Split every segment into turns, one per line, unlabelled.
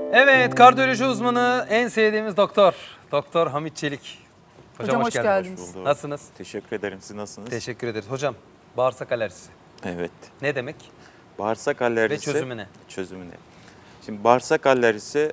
Evet, kardiyoloji uzmanı en sevdiğimiz doktor. Doktor Hamit Çelik.
Hocam hoş geldiniz.
Hoş bulduk.
Nasılsınız?
Teşekkür ederim. Siz nasılsınız?
Teşekkür ederiz. Hocam, bağırsak alerjisi
Evet.
ne demek
Bağırsak alerjisi.
ve çözümü ne?
Çözümü ne? Şimdi bağırsak alerjisi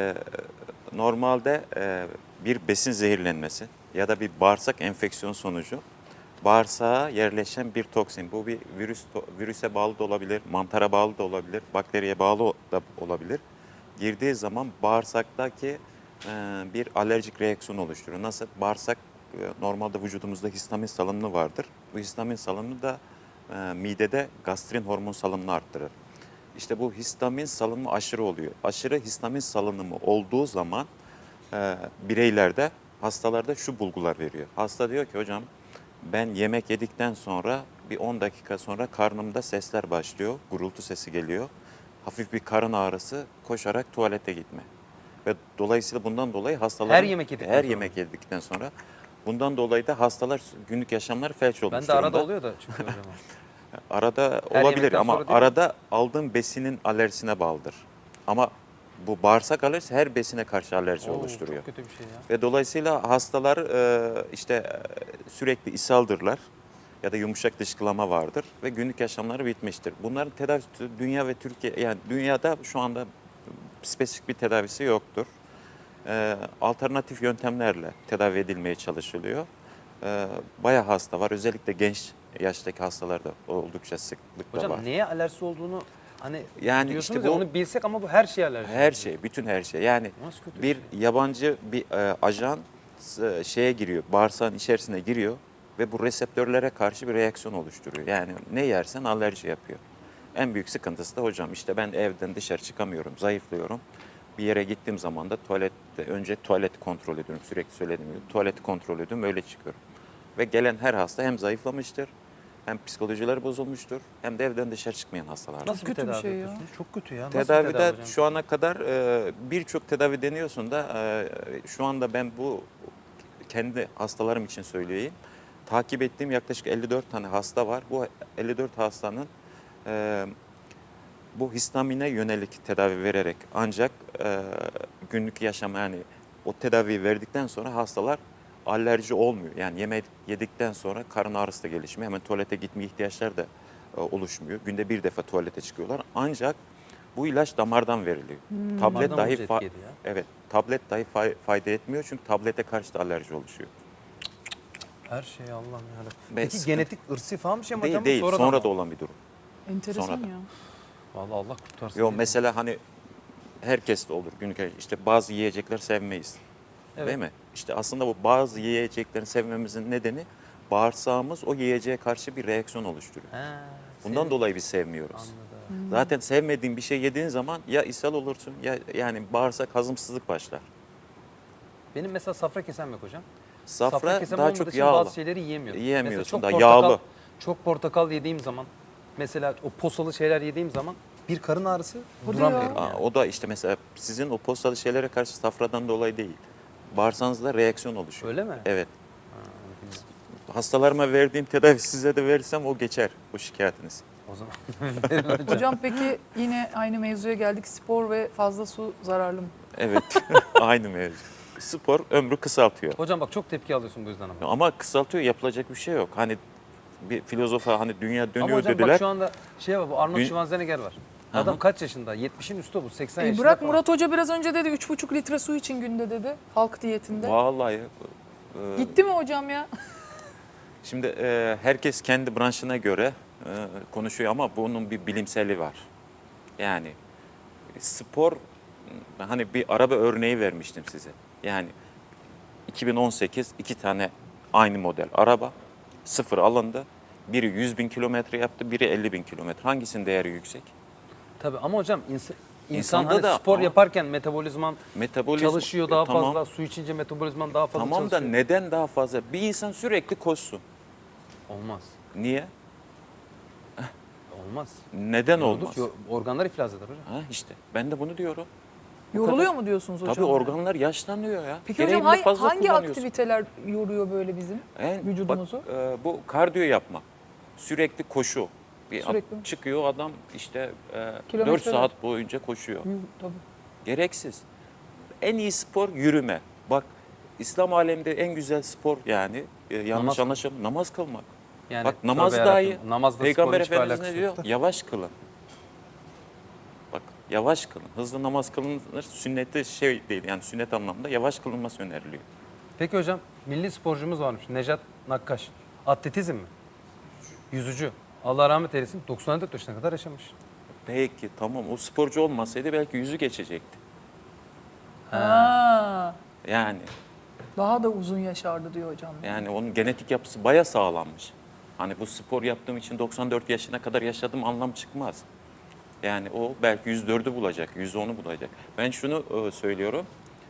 normalde bir besin zehirlenmesi ya da bir bağırsak enfeksiyonu sonucu bağırsağa yerleşen bir toksin. Bu bir virüse bağlı da olabilir, mantara bağlı da olabilir, bakteriye bağlı da olabilir. Girdiği zaman bağırsaktaki bir alerjik reaksiyon oluşturuyor. Nasıl? Bağırsak normalde vücudumuzda histamin salınımı vardır. Bu histamin salınımı da midede gastrin hormon salınımını arttırır. İşte bu histamin salınımı aşırı oluyor. Aşırı histamin salınımı olduğu zaman bireylerde, hastalarda şu bulgular veriyor. Hasta diyor ki hocam ben yemek yedikten sonra bir 10 dakika sonra karnımda sesler başlıyor. Gurultu sesi geliyor. Hafif bir karın ağrısı, koşarak tuvalete gitme. Ve dolayısıyla bundan dolayı hastalar her yemek yedikten sonra bundan dolayı da hastalar günlük yaşamları felç olmuş
Ben de
durumda.
arada oluyor da çünkü hocam.
Arada
Her
olabilir
yemekten
ama
sonra değil mi?
arada aldığın besinin alerjisine bağlıdır. Ama bu bağırsak alerjisi her besine karşı alerji
Oo,
oluşturuyor.
Çok kötü bir şey ya.
Ve dolayısıyla hastalar sürekli ishaldırlar ya da yumuşak dışkılama vardır ve günlük yaşamları bitmiştir. Bunların tedavisi dünya ve Türkiye, yani dünyada şu anda spesifik bir tedavisi yoktur. Alternatif yöntemlerle tedavi edilmeye çalışılıyor. Bayağı hasta var. Özellikle genç yaştaki hastalarda oldukça sıklıkla
Hocam
var.
neye alerjisi olduğunu hani
Yani
diyorsunuz
işte
ya,
bu
onu bilsek ama bu her şeye alerji.
her şey, bütün her şey. Yani
Nasıl kötü
bir
şey?
yabancı bir ajan şeye giriyor, bağırsağın içerisine giriyor ve bu reseptörlere karşı bir reaksiyon oluşturuyor. Yani ne yersen alerji yapıyor. En büyük sıkıntısı da hocam işte ben evden dışarı çıkamıyorum, zayıflıyorum. Bir yere gittiğim zaman da önce tuvalet kontrol ediyorum. Sürekli söylediğim gibi tuvaleti kontrol ediyorum, öyle çıkıyorum. Ve gelen her hasta hem zayıflamıştır, hem psikolojileri bozulmuştur, hem de evden dışarı çıkmayan hastalar.
Nasıl
kötü bir
tedavi
şey ya.
yapıyorsunuz? Çok kötü ya. Nasıl bir
Tedavide
tedavi hocam?
şu ana kadar birçok tedavi deniyorsun da şu anda ben bu kendi hastalarım için söyleyeyim. Takip ettiğim yaklaşık 54 tane hasta var. Bu 54 hastanın bu histamine yönelik tedavi vererek ancak günlük yaşam, yani o tedaviyi verdikten sonra hastalar alerji olmuyor. Yani yemek yedikten sonra karın ağrısı da gelişmiyor. Hemen tuvalete gitme ihtiyaçları da oluşmuyor. Günde bir defa tuvalete çıkıyorlar. Ancak bu ilaç damardan veriliyor. Tablet
Damardan
dahi
mı etki ediyor?
evet, tablet dahi fayda etmiyor çünkü tablete karşı da alerji oluşuyor.
Her şey Allah'ım yarabbim.
Ve
Peki
sıkıntı-
genetik ırsi falan bir şey mi
Değil
hocam?
değil,
Sonradan
sonra
mı?
da olan bir durum.
Enteresan
Sonradan.
ya.
Vallahi Allah kurtarsın.
Yo,
diyelim.
mesela hani herkes de olur günlük işte bazı yiyecekler sevmeyiz.
Evet.
Değil mi? İşte aslında bu bazı yiyeceklerin sevmemizin nedeni bağırsağımız o yiyeceğe karşı bir reaksiyon oluşturuyor.
Ha,
Bundan
senin-
dolayı biz sevmiyoruz.
Anladım.
Zaten sevmediğin bir şey yediğin zaman ya ishal olursun ya yani bağırsak hazımsızlık başlar.
Benim mesela safra kesem yok hocam.
Safra
kesem
daha
olmadığı
çok
için
yağlı.
bazı şeyleri yiyemiyorum.
Yiyemiyorsun
Mesela
da
portakal-
yağlı.
Çok portakal yediğim zaman, mesela o posalı şeyler yediğim zaman bir karın ağrısı
Hadi
duramıyorum.
ya.
Yani.
O da işte mesela sizin o postalı şeylere karşı safradan dolayı değil. Bağırsağınızda reaksiyon oluşuyor.
Öyle mi?
Evet. Hastalarıma verdiğim tedavi size de verirsem o geçer, bu şikayetiniz.
O zaman
Hocam peki yine aynı mevzuya geldik. Spor ve fazla su zararlı mı?
Evet, aynı mevzu. Spor ömrü kısaltıyor.
hocam bak çok tepki alıyorsun bu yüzden ama.
Ama kısaltıyor, yapılacak bir şey yok. Hani bir filozofa hani dünya
Ama
dönüyor
hocam
dediler.
bak şu anda şey var, bu Arnold
Dün-
Schwarzenegger var.
Hı hı.
Adam kaç yaşında? 70'in üstü bu. 80 yaşında
Bırak
falan.
Murat Hoca biraz önce dedi 3,5 litre su için günde dedi. Halk diyetinde.
Vallahi
Gitti mi hocam ya?
şimdi herkes kendi branşına göre konuşuyor ama bunun bir bilimseli var. Yani spor, hani bir araba örneği vermiştim size. Yani 2018 iki tane aynı model araba sıfır alındı. Biri 100.000 kilometre yaptı, biri 50.000 kilometre. Hangisinin değeri yüksek?
Tabii ama hocam insan
İnsanda
hani
da
spor
ama-
yaparken metabolizman
Metabolizma
çalışıyor daha
tamam.
fazla. Su içince metabolizman daha fazla
Tamam da
çalışıyor.
neden daha fazla? Bir insan sürekli koşsun.
Olmaz.
Niye?
Olmaz.
Neden
Yorulur,
olmaz?
organlar iflas eder hocam.
Ha işte ben de bunu diyorum.
Yoruluyor mu diyorsunuz hocam?
Tabii organlar yaşlanıyor ya.
Peki hocam
Gereğinden fazla
hangi
kullanıyorsun.
aktiviteler yoruyor böyle bizim vücudumuzu?
Bu kardiyo yapma. Sürekli koşu.
Sürekli.
Çıkıyor adam işte 4
Kilometreler.
saat boyunca koşuyor.
Tabii.
Gereksiz. En iyi spor yürüme. Bak İslam aleminde en güzel spor yani yanlış
Namaz.
anlaşılma namaz kılmak.
Yani
Bak namaz
tövbe
dahi
yarabbim, namazla
Peygamber
sporun hiçbir
Efendimiz
alakası
ne diyor?
yok da.
Yavaş kılın. Bak yavaş kılın. Hızlı namaz kılınır. Sünneti şey değil yani sünnet anlamda yavaş kılınması öneriliyor.
Peki hocam milli sporcumuz varmış Nejat Nakkaş. Atletizm mi? Yüzücü. Allah rahmet eylesin 94 yaşına kadar yaşamış.
Peki tamam o sporcu olmasaydı belki yüzü geçecekti.
Ha,
Yani
daha da uzun yaşardı diyor hocam.
yani onun genetik yapısı baya sağlanmış. Hani bu spor yaptığım için 94 yaşına kadar yaşadım anlam çıkmaz. Yani o belki 104'ü bulacak, 110'u bulacak. Ben şunu söylüyorum.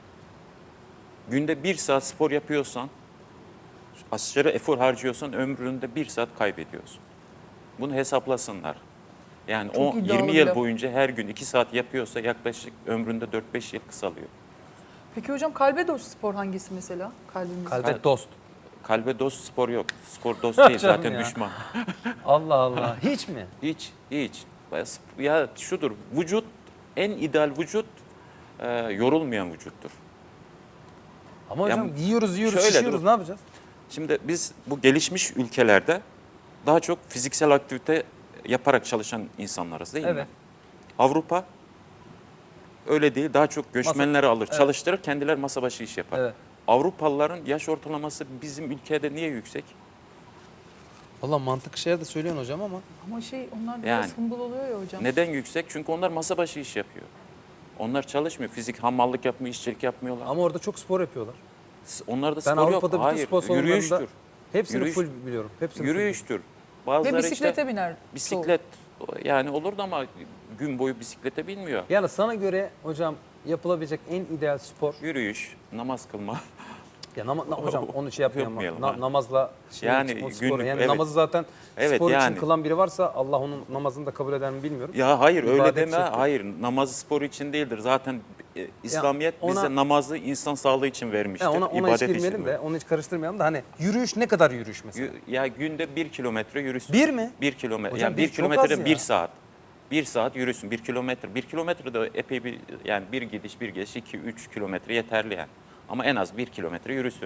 Günde 1 saat spor yapıyorsan, aşırı efor harcıyorsan ömründe 1 saat kaybediyorsun. Bunu hesaplasınlar. Yani
Çok
o
iddialı
20
bir
yıl
laf.
boyunca her gün 2 saat yapıyorsa yaklaşık ömründe 4-5 yıl kısalıyor.
Peki hocam kalbe dost spor hangisi mesela? Kalbimiz.
Kalbe dost.
Kalbe dost spor yok. Spor dost değil
Canım
zaten
ya.
düşman.
Allah Allah. Hiç mi?
Hiç. Ya şudur, vücut, en ideal vücut yorulmayan vücuttur.
Ama hocam
Ya,
yiyoruz
şöyle
şişiyoruz
dur.
ne yapacağız?
Şimdi biz bu gelişmiş ülkelerde daha çok fiziksel aktivite yaparak çalışan insanlarız değil mi?
Evet.
Avrupa öyle değil, daha çok göçmenleri alır,
evet.
çalıştırır, kendileri masa başı iş yapar.
Evet.
Avrupalıların yaş ortalaması bizim ülkede niye yüksek?
Valla mantık şeyler de söylüyorsun hocam ama.
Ama onlar biraz
Yani.
hımbıl oluyor ya hocam.
Neden yüksek? Çünkü onlar masa başı iş yapıyor. Onlar çalışmıyor. Fizik, hamallık yapmıyor, işçilik yapmıyorlar.
Ama orada çok spor yapıyorlar.
Onlarda
Ben
spor
Avrupa'da
yok.
bütün
Hayır,
spor salonlarında
yürüyüştür.
hepsini
Yürüyüş-
full biliyorum. Hepsini
Yürüyüştür.
Ve
Bazıları
bisiklete
işte
biner.
bisiklet yani olurdu ama gün boyu bisiklete binmiyor.
full. Yani sana göre hocam yapılabilecek en ideal spor.
Yürüyüş, namaz kılma.
Ya hocam onu şey yapmayalım.
Yapmayalım, ha.
Namazla şey
Yani
o sporu.
günlük,
Yani
evet.
namazı zaten
Evet,
spor
yani.
için kılan biri varsa Allah onun namazını da kabul eder mi bilmiyorum.
Ya hayır öyle
İbadet
deme.
şekli.
Hayır namazı spor için değildir. Zaten İslamiyet
ona-
bize namazı insan sağlığı için vermiştir.
Ya ona hiç
İbadet
girmeyelim
için.
de onu hiç karıştırmayalım da hani yürüyüş ne kadar yürüyüş mesela?
Ya günde 1 kilometre yürüsün.
Bir mi?
1 kilometre.
Hocam
Yani
bir
1
çok
kilometre
az ya.
1 saat. 1 saat yürüsün 1 kilometre. 1 kilometre de epey bir yani bir gidiş bir geliş 2-3 kilometre yeterli yani. Ama en az 1 kilometre yürüsün.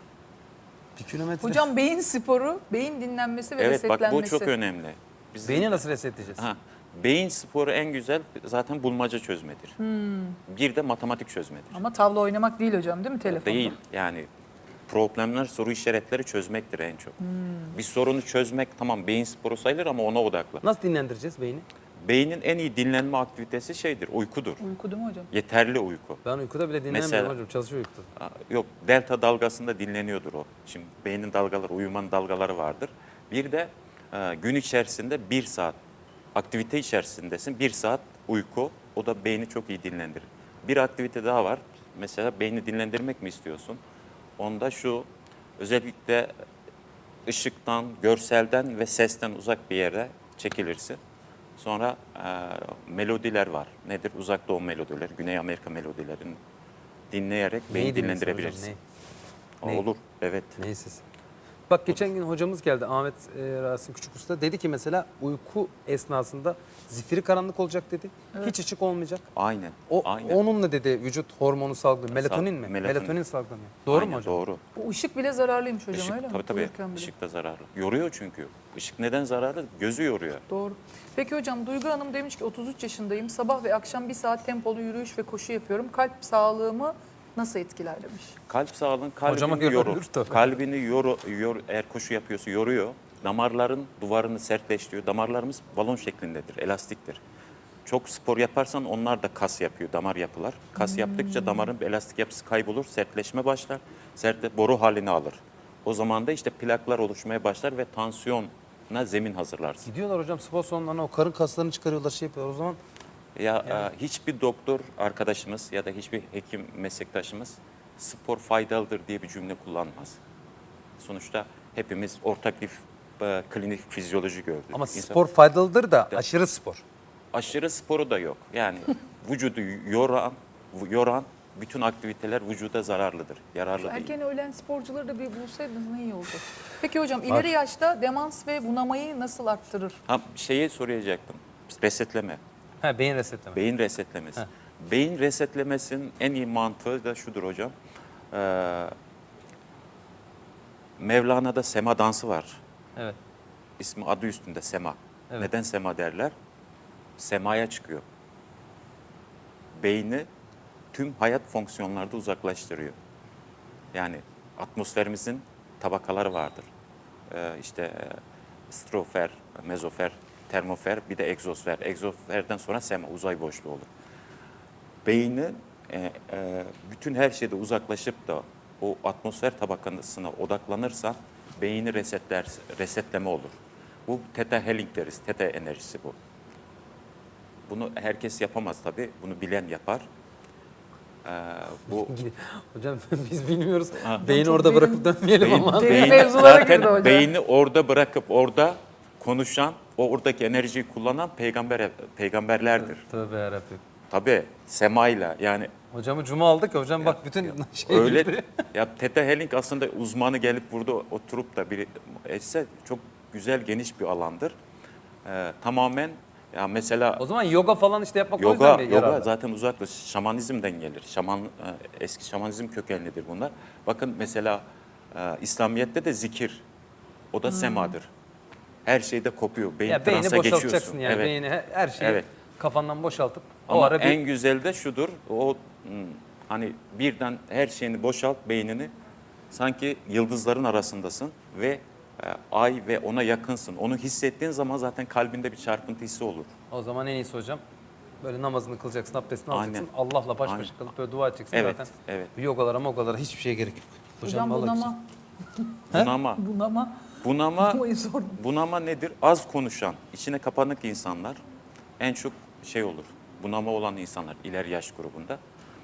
1 kilometre.
Hocam beyin sporu, beyin dinlenmesi ve
Evet bak
resetlenmesi.
bu çok önemli. Biz,
Beyni nasıl resetleyeceğiz?
ha, beyin sporu en güzel zaten bulmaca çözmedir. Bir de matematik çözmedir.
Ama tavla oynamak değil hocam değil mi telefonda?
Değil yani problemler, soru işaretleri çözmektir en çok. Bir sorunu çözmek tamam beyin sporu sayılır ama ona odaklan.
Nasıl dinlendireceğiz beyni?
Beynin en iyi dinlenme aktivitesi şeydir, uykudur.
Uyku değil mi hocam?
Yeterli uyku.
Ben uykuda bile dinlenmiyorum
Mesela-
hocam. Çalışıyor uykuda.
Yok delta dalgasında dinleniyordur o. Şimdi beynin dalgaları, uyumanın dalgaları vardır. Bir de gün içerisinde 1 saat aktivite içerisindesin. 1 saat uyku o da beyni çok iyi dinlendirir. Bir aktivite daha var. Mesela beyni dinlendirmek mi istiyorsun? Onda şu özellikle ışıktan, görselden ve sesten uzak bir yere çekilirsin. Sonra melodiler var. Nedir? Uzak Doğu melodileri, Güney Amerika melodilerini dinleyerek
Neyi
beyni
dinlesin
dinlendirebilirsin.
hocam,
O
Neyi?
olur, evet.
Neyse. Bak geçen gün hocamız geldi Ahmet Rasim Küçük Usta. Dedi ki mesela uyku esnasında zifiri karanlık olacak dedi. Hiç ışık olmayacak.
Aynen,
O
aynen.
onunla dedi vücut hormonu salgılıyor. Melatonin mi?
Melatonin.
Melatonin salgılanıyor. Doğru
Aynen,
mu hocam?
Doğru.
Bu ışık bile zararlıymış hocam
Işık,
öyle mi?
tabii.
Uyurken bile.
Işık da zararlı. Yoruyor çünkü. Işık neden zararlı? Gözü yoruyor.
Doğru. Peki hocam Duygu Hanım demiş ki 33 yaşındayım. Sabah ve akşam 1 saat tempolu yürüyüş ve koşu yapıyorum. Kalp sağlığımı nasıl etkiler demiş.
Kalp sağlığın
Hocama
kalbini
göre
yorur.
ölür tabii.
Kalbini eğer koşu yapıyorsa yoruyor. Damarların duvarını sertleştiriyor. Damarlarımız balon şeklindedir, elastiktir. Çok spor yaparsan onlar da kas yapıyor, damar yapılar. Kas yaptıkça damarın elastik yapısı kaybolur, sertleşme başlar. Boru halini alır. O zaman da işte plaklar oluşmaya başlar ve tansiyona zemin hazırlarsın.
Gidiyorlar hocam spor salonlarına o karın kaslarını çıkarıyorlar şey yapıyorlar. O zaman
Hiçbir doktor arkadaşımız ya da hiçbir hekim meslektaşımız spor faydalıdır diye bir cümle kullanmaz. Sonuçta hepimiz ortak bir klinik fizyoloji gördük.
ama
İnsan-
spor faydalıdır da aşırı spor.
Aşırı sporu da yok. Yani vücudu yoran bütün aktiviteler vücuda zararlıdır, yararlı değil.
Erken öğlen sporcuları da bir bulsaydınız ne iyi oldu. Peki hocam ileri yaşta demans ve bunamayı nasıl arttırır?
Şeyi soracaktım, resetleme,
Ha beyin resetleme.
beyin resetlemesi.
Heh.
Beyin resetlemesinin en iyi mantığı da şudur hocam. Mevlana'da sema dansı var.
Evet.
İsmi adı üstünde sema.
Evet.
Neden sema derler? Semaya çıkıyor. Beyni tüm hayat fonksiyonlarda uzaklaştırıyor. Yani atmosferimizin tabakaları vardır. İşte strofer, mezofer, termofer, bir de egzosfer. Egzosferden sonra sema, uzay boşluğu olur. Beyni bütün her şeyde uzaklaşıp da o atmosfer tabakasına odaklanırsa beyni resetleme olur. Bu Theta Healing deriz. Theta enerjisi bu. Bunu herkes yapamaz tabii. Bunu bilen yapar. Bu
Hocam biz bilmiyoruz.
Ha.
Beyni
Çok
orada
beyin-
bırakıp dönmeyelim ama.
Beyin mevzulara girdi
zaten
hocam.
beyni orada bırakıp orada konuşan, oradaki enerjiyi kullanan peygamberlerdir.
Tövbe yarabbim.
Tabii semayla yani
Hocamı cuma aldık ya hocam bak bütün şey
öyle
gitti.
ya Theta Healing aslında uzmanı gelip burada oturup da biri etse çok güzel geniş bir alandır. Tamamen ya mesela
O zaman yoga falan işte yapmak o yüzden
yoga
mi
yoga
yararlı?
zaten uzaklaş şamanizmden gelir. Eski şamanizm kökenlidir bunlar. Bakın mesela İslamiyet'te de zikir o da semadır. Her şeyde kopuyor. Beyin
Ya beyni
transa
boşaltacaksın
geçiyorsun.
yani.
Evet.
Beyni her şeyi
Evet.
kafandan boşaltıp o
Ama
ara bir
en güzel de şudur. Hani birden her şeyini boşalt beynini. Sanki yıldızların arasındasın ve ay ve ona yakınsın. Onu hissettiğin zaman zaten kalbinde bir çarpıntı hissi olur.
o zaman en iyisi hocam. Böyle namazını kılacaksın, abdestini
Aynen.
alacaksın. Allah'la baş başa
Aynen.
kalıp böyle dua edeceksin
Evet,
zaten.
evet.
Bu yogalara mogalara hiçbir şeye gerek yok.
Hocam
vallahi
bunama,
Bunama.
bunama
Bunama nedir? Az konuşan, içine kapanık insanlar en çok şey olur. Bunama olan insanlar ileri yaş grubunda.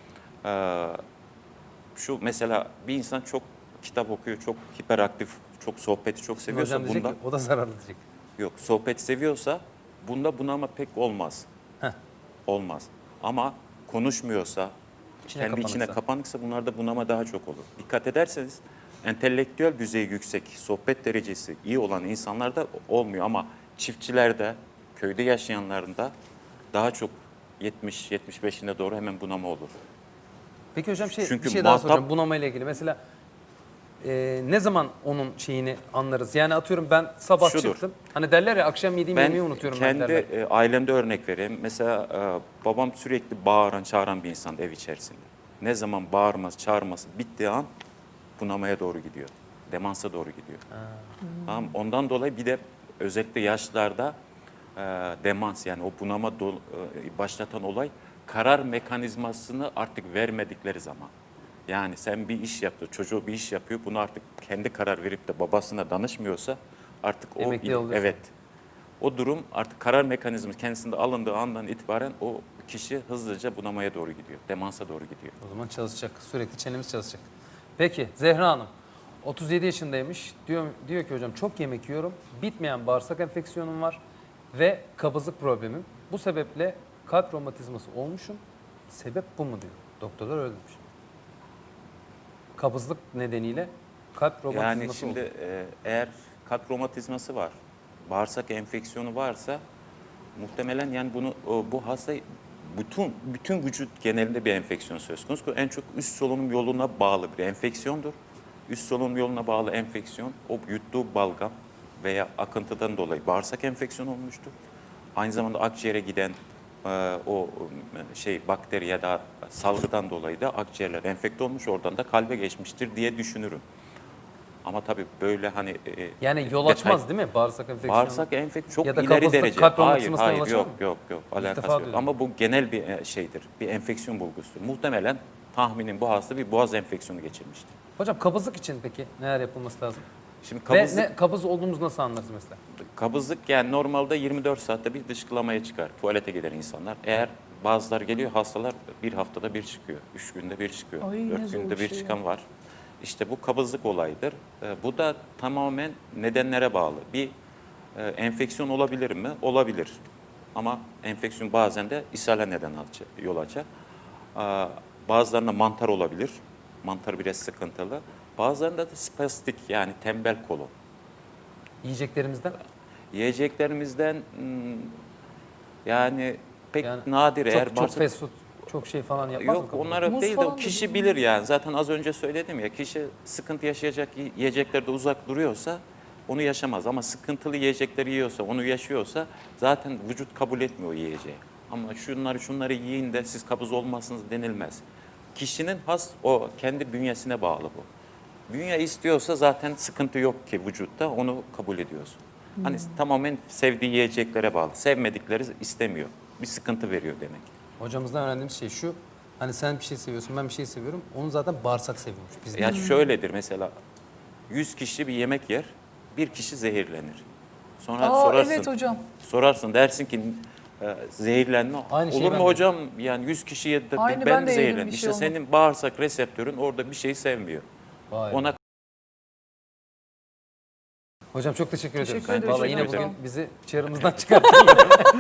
Şu mesela bir insan çok kitap okuyor, çok hiperaktif, çok sohbeti çok
güzel.
seviyorsa
Hocam diyecek
bunda
ki o da zararlı diyecek.
yok. Sohbet seviyorsa bunda bunama pek olmaz.
Heh.
Olmaz. Ama konuşmuyorsa,
İçine
kendi içine
kapanıksa.
kapanıksa bunlarda bunama daha çok olur. Dikkat ederseniz entelektüel düzeyi yüksek, sohbet derecesi iyi olan insanlarda olmuyor ama çiftçilerde, köyde yaşayanlarında daha çok 70-75'ine doğru hemen bunama olur.
Peki hocam
Çünkü
bir şey daha
muhatap-
soracağım bunama ile ilgili. Mesela ne zaman onun şeyini anlarız? Yani atıyorum ben sabah
Şudur.
çıktım. Hani derler ya akşam yediğim yemeği unutuyorum ben
kendi
derler.
ailemde örnek vereyim. Mesela babam sürekli bağıran, çağıran bir insan ev içerisinde. Ne zaman bağırması, çağırması bittiği an bunamaya doğru gidiyor. Demansa doğru gidiyor. Tamam. Ondan dolayı bir de özellikle yaşlarda demans yani o bunama başlatan olay karar mekanizmasını artık vermedikleri zaman. Yani sen bir iş yaptı, çocuğu bir iş yapıyor. Bunu artık kendi karar verip de babasına danışmıyorsa artık o
Emekli oluyorsun.
evet. O durum artık karar mekanizması kendisinde alındığı andan itibaren o kişi hızlıca bunamaya doğru gidiyor. Demansa doğru gidiyor.
O zaman çalışacak. Sürekli çenemiz çalışacak. Peki Zehra Hanım 37 yaşındaymış. Diyor ki hocam çok yemek yiyorum. Bitmeyen bağırsak enfeksiyonum var ve kabızlık problemim. Bu sebeple kalp romatizması olmuşum. Sebep bu mu diyor. Doktorlar öyle demiş. Kabızlık nedeniyle kalp romatizması
Yani şimdi
oldu.
eğer kalp romatizması var, bağırsak enfeksiyonu varsa muhtemelen yani bu hasta bütün vücut genelinde bir enfeksiyon söz konusu. En çok üst solunum yoluna bağlı bir enfeksiyondur. Üst solunum yoluna bağlı enfeksiyon o yuttuğu balgam veya akıntıdan dolayı bağırsak enfeksiyonu olmuştur. Aynı zamanda akciğere giden bakteri ya da salgıdan dolayı da akciğerler enfekte olmuş oradan da kalbe geçmiştir diye düşünürüm. Ama tabii böyle hani
Yani yol
detay-
açmaz değil mi bağırsak enfeksiyonu?
Bağırsak enfeksiyonu çok
Ya da
ileri
kabızlık,
derece.
kalp
Hayır,
romatizmasına yol
hayır
açar
yok
mı?
yok alakası
defa
yok.
duydum.
Ama bu genel bir şeydir. Bir enfeksiyon bulgusudur. Muhtemelen tahminim bu hasta bir boğaz enfeksiyonu geçirmiştir.
Hocam kabızlık için peki neler yapılması lazım?
Şimdi
Ve kabız olduğumuzu nasıl anlarız mesela?
kabızlık yani normalde 24 saatte bir dışkılamaya çıkar. Tuvalete gider insanlar. Eğer bazılar geliyor hastalar bir haftada bir çıkıyor. 3 günde bir çıkıyor.
Ay, ne
4
zor
günde
bir
bir
şey ya.
çıkan var. İşte bu kabızlık olayıdır. Bu da tamamen nedenlere bağlı. Bir enfeksiyon olabilir mi? Olabilir. Ama enfeksiyon bazen de ishale yol açar. Bazılarında mantar olabilir. Mantar biraz sıkıntılı. Bazılarında da spastik yani tembel kolon.
Yiyeceklerimizden?
Yiyeceklerimizden yani pek
Yani
nadir eğer
Çok
varsa
fast food. çok şey falan yapmaz mı?
Yok
kaburga?
onlar
Muz
değil de
falan
kişi
da
bilir yani. Zaten az önce söyledim ya, kişi sıkıntı yaşayacak yiyeceklerde uzak duruyorsa onu yaşamaz. Ama sıkıntılı yiyecekleri yiyorsa, onu yaşıyorsa zaten vücut kabul etmiyor o yiyeceği. Ama şunları yiyin de siz kabız olmazsınız denilmez. Kişinin has o kendi bünyesine bağlı bu. Bünye istiyorsa zaten sıkıntı yok ki vücutta, onu kabul ediyorsun. Hani tamamen sevdiği yiyeceklere bağlı. Sevmedikleri istemiyor. Bir sıkıntı veriyor demek.
Hocamızdan öğrendiğimiz şey şu. Hani sen bir şey seviyorsun, ben bir şey seviyorum. Onun zaten bağırsak seviyormuş. Biz
Ya şöyledir mesela 100 kişi bir yemek yer, bir kişi zehirlenir. Sonra
Aa,
sorarsın.
evet hocam.
Sorarsın dersin ki zehirlenme
Aynı şeyi
olur
ben
mu
de
hocam? Yani 100 kişi yedi de
Aynı
ben
ben de yedim,
zehirlendim.
bir
İşte
şey olmadı.
senin bağırsak reseptörün orada bir şey sevmiyor.
Vay be.
Ona
Hocam çok teşekkür ediyoruz.
Teşekkür ederim.
Vallahi yine
Çok sağ
bugün
olun.
bizi çığırımızdan çıkarttın.